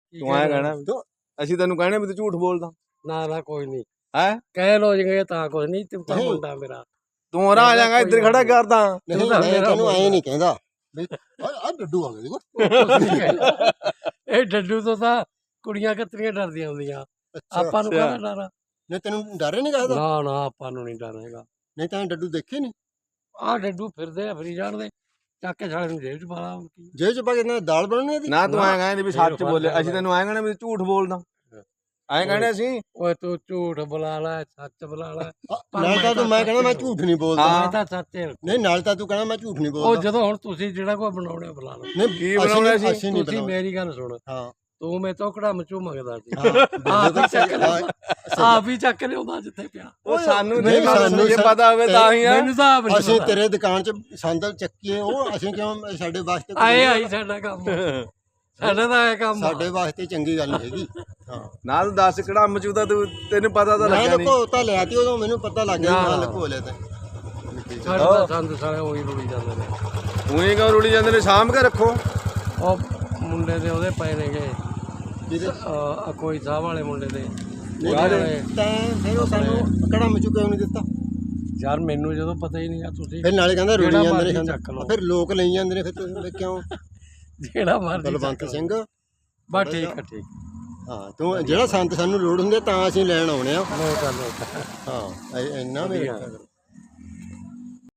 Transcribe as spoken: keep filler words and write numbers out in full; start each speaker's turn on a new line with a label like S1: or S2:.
S1: ਤੂੰ ਐਂ ਕਹਿਣਾ ਅਸੀਂ ਤੈਨੂੰ ਕਹਿਣਾ ਵੀ ਤੂੰ ਝੂਠ ਬੋਲਦਾ।
S2: ਨਾ ਨਾ ਕੋਈ ਨਹੀਂ
S1: ਹੈ
S2: ਕਹਿ ਲੋ ਜੇ ਤਾਂ ਕੁਝ ਨਹੀਂ ਤੂੰ ਤਾਂ ਮੁੰਡਾ ਮੇਰਾ
S1: ਤੂੰ ਹੋਰਾਂ ਆ ਜਾਏਗਾ ਇੱਧਰ ਖੜਾ ਕਰਦਾ।
S3: ਨਹੀਂ ਮੈਂ ਤੈਨੂੰ ਐਂ ਨਹੀਂ ਕਹਿੰਦਾ ਵੀ ਆ ਡੱਡੂ ਆ ਗਿਆ ਦੇਖੋ।
S2: ਇਹ ਡੱਡੂ ਤੋਂ ਤਾਂ ਕੁੜੀਆਂ ਕਤਰੀਆਂ ਡਰਦੀਆਂ ਹੁੰਦੀਆਂ ਆਪਾਂ ਨੂੰ ਕਾਹਦਾ ਡਰ ਆ।
S3: ਨਹੀਂ ਤੈਨੂੰ ਡਰ ਨਹੀਂ ਕਹਦਾ।
S2: ਨਾ ਨਾ ਆਪਾਂ ਨੂੰ ਨਹੀਂ ਡਰ ਹੈਗਾ।
S3: ਨਹੀਂ ਤਾਂ ਡੱਡੂ ਦੇਖੇ ਨਹੀਂ
S2: ਆਹ ਡੱਡੂ ਫਿਰਦੇ ਆ ਫਰੀ ਜਾਣਦੇ ਚੱਕ ਕੇ ਸਾਲੇ ਨੂੰ ਜੇਬ ਚ ਪਾ ਲਾ।
S3: ਜੇਬ ਚ ਪਾ ਕੇ ਨਾ ਦਾਲ ਬਣਨੀ ਇਹਦੀ।
S1: ਨਾ ਤੂੰ ਐਂ ਕਹਿੰਦੇ ਵੀ ਸੱਚ ਬੋਲੇ ਅਸੀਂ ਤੈਨੂੰ ਐਂ ਕਹਿਣਾ ਵੀ ਝੂਠ ਬੋਲਦਾ। ਐਂ ਕਹਿਣਾ ਸੀ
S2: ਓਏ ਤੂੰ ਝੂਠ ਬੁਲਾ ਲੈ ਸੱਚ ਬੁਲਾ ਲੈ।
S3: ਨਾਲ ਤਾਂ ਤੂੰ ਮੈਂ ਕਹਿੰਦਾ ਮੈਂ ਝੂਠ ਨਹੀਂ ਬੋਲਦਾ।
S2: ਮੈਂ ਤਾਂ ਸੱਚ
S3: ਨਹੀਂ ਨਾਲ ਤਾਂ ਤੂੰ ਕਹਿੰਦਾ ਮੈਂ ਝੂਠ ਨਹੀਂ ਬੋਲਦਾ।
S2: ਉਹ ਜਦੋਂ ਹੁਣ ਤੁਸੀਂ ਜਿਹੜਾ ਕੋਈ ਬਣਾਉਣੇ ਬੁਲਾ ਲਓ।
S3: ਨਹੀਂ
S1: ਕੀ ਬਣਾਉਣਾ ਸੀ
S2: ਤੁਸੀਂ ਮੇਰੀ ਗੱਲ ਸੁਣ।
S3: ਹਾਂ
S2: ਤੂੰ ਮੇ ਤੋਂ ਕੜਾ ਮਚੂ ਮੰਗਦਾ ਸੀ ਆਪ ਹੀ ਚੱਕ ਆਪ ਹੀ ਚੱਕ ਲਿਆਉਂਦਾ ਜਿੱਥੇ ਪਿਆ।
S1: ਉਹ ਸਾਨੂੰ ਨਹੀਂ ਸਾਨੂੰ ਜੇ ਪਤਾ ਹੋਵੇ ਤਾਂ ਹੀ ਆ।
S2: ਮੈਨੂੰ ਤਾਂ ਆਪ ਨਹੀਂ
S3: ਅਸੀਂ ਤੇਰੇ ਦੁਕਾਨ 'ਚ ਸੰਦਲ ਚੱਕੀਏ ਉਹ ਅਸੀਂ ਕਿਉਂ ਸਾਡੇ ਵਾਸਤੇ
S2: ਆਏ ਆਈ ਸਾਡਾ ਕੰਮ ਸਾਡਾ ਤਾਂ ਇਹ ਕੰਮ
S3: ਸਾਡੇ ਵਾਸਤੇ ਚੰਗੀ ਗੱਲ ਨਹੀਂ ਹੈਗੀ। ਹਾਂ
S1: ਨਾਲ ਦੱਸ ਕਿਹੜਾ ਮਚੂਦਾ ਤੂੰ ਤੈਨੂੰ ਪਤਾ ਤਾਂ ਲੱਗਿਆ ਨਹੀਂ।
S3: ਮੈਂ ਲੁਕੋ ਤਾਂ ਲਿਆ ਤੀ ਉਦੋਂ ਮੈਨੂੰ ਪਤਾ ਲੱਗ ਗਿਆ ਮੈਂ ਲੁਕੋ ਲਿਆ ਤੇ
S2: ਸਾਡੇ ਤਾਂ ਸੰਦ ਸਾਰੇ ਉਹੀ ਰੁੜੀ ਜਾਂਦੇ ਨੇ।
S1: ਉਹੀ ਕਿਉਂ ਰੁੜੀ ਜਾਂਦੇ ਨੇ ਸਾਂਭ ਕੇ ਰੱਖੋ।
S2: ਉਹ ਮੁੰਡੇ ਦੇ ਉਹਦੇ ਪਏ ਨੇਗੇ
S3: ਜਿਹਦੇ
S2: ਕੋਈ ਸਾਹਿਬ ਵਾਲੇ ਮੁੰਡੇ ਦੇ
S3: ਤਾਂ ਫਿਰ ਉਹ ਸਾਨੂੰ ਕੜਾ ਮਚੂ ਕਿਉਂ ਨਹੀਂ ਦਿੱਤਾ।
S2: ਯਾਰ ਮੈਨੂੰ ਜਦੋਂ ਪਤਾ ਹੀ ਨਹੀਂ ਆ ਤੁਸੀਂ
S3: ਫਿਰ ਨਾਲੇ ਕਹਿੰਦਾ ਰੁੜੀ ਜਾਂਦੇ ਨੇ ਫਿਰ ਲੋਕ ਲਈ ਜਾਂਦੇ ਨੇ ਫਿਰ ਤੁਸੀਂ ਕਿਉਂ।
S2: ਜਿਹੜਾ ਮਰਜ਼ੀ
S3: ਬਲਵੰਤ ਸਿੰਘ
S2: ਬਸ ਠੀਕ ਆ ਠੀਕ।
S3: ਹਾਂ ਤੂੰ ਜਿਹੜਾ ਸੰਤ ਸਾਨੂੰ ਲੋੜ ਹੁੰਦੀ ਤਾਂ ਅਸੀਂ ਲੈਣ ਆਉਣੇ ਆ।
S2: ਲੋਕ ਆ ਲੋਕ
S3: ਹਾਂ ਇੰਨਾ ਵੀ